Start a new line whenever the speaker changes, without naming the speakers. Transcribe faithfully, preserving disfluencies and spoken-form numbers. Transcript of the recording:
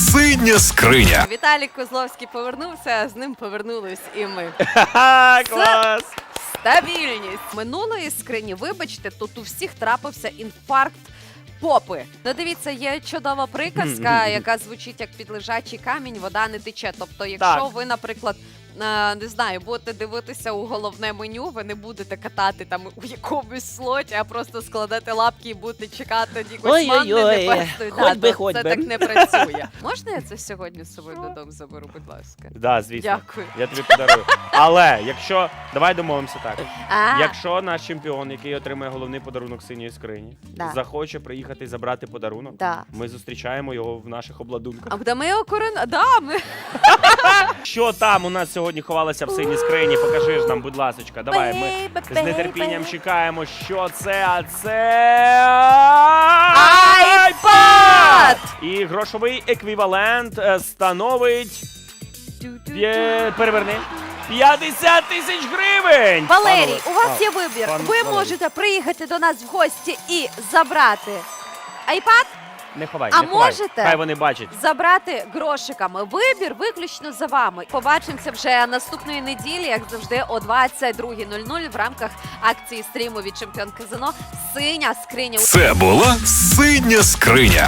Синя скриня.
Віталій Козловський повернувся, з ним повернулись і ми.
Ха-ха, клас!
Стабільність. Минулої скрині, вибачте, тут у всіх трапився інфаркт попи. Ну дивіться, є чудова приказка, яка звучить як під лежачий камінь, вода не тече. Тобто, якщо
Так.
ви, наприклад, е, не знаю, будете дивитися у головне меню, ви не будете катати там у якомусь слоті, а просто складете лапки і будете чекати якоїсь манни
Ой-ой-ой,
небесної.
хоть би,
то
хоть
це
би.
так не працює. Можна я це сьогодні з собою додому заберу, будь ласка?
Да, звісно.
Дякую.
Я тобі подарую. Але якщо. Давай домовимося так.
А,
Якщо наш чемпіон, який отримає головний подарунок синьої скрині,
Да.
захоче приїхати і забрати подарунок,
Да.
ми зустрічаємо його в наших обладунках.
А да ми його корон... Да, ми...
Що там у нас сьогодні ховалося в синій скрині? Покажи ж нам, будь ласочка. Давай, ми з нетерпінням чекаємо, що це, а це...
айпад!
І грошовий еквівалент е, становить... Є... Переверни. п'ятдесят тисяч гривень!
Валерій,
Пане-
у вас
а,
є вибір.
пан
Ви
Валерій.
можете приїхати до нас в гості і забрати айпад,
Не ховай,
А
не ховай.
можете?
Хай вони бачать.
забрати грошиками. Вибір виключно за вами. Побачимося вже наступної неділі, як завжди, о двадцять другій нуль нуль в рамках акції стріму від Чемпіон Казино «Синя скриня».
Це була синя скриня.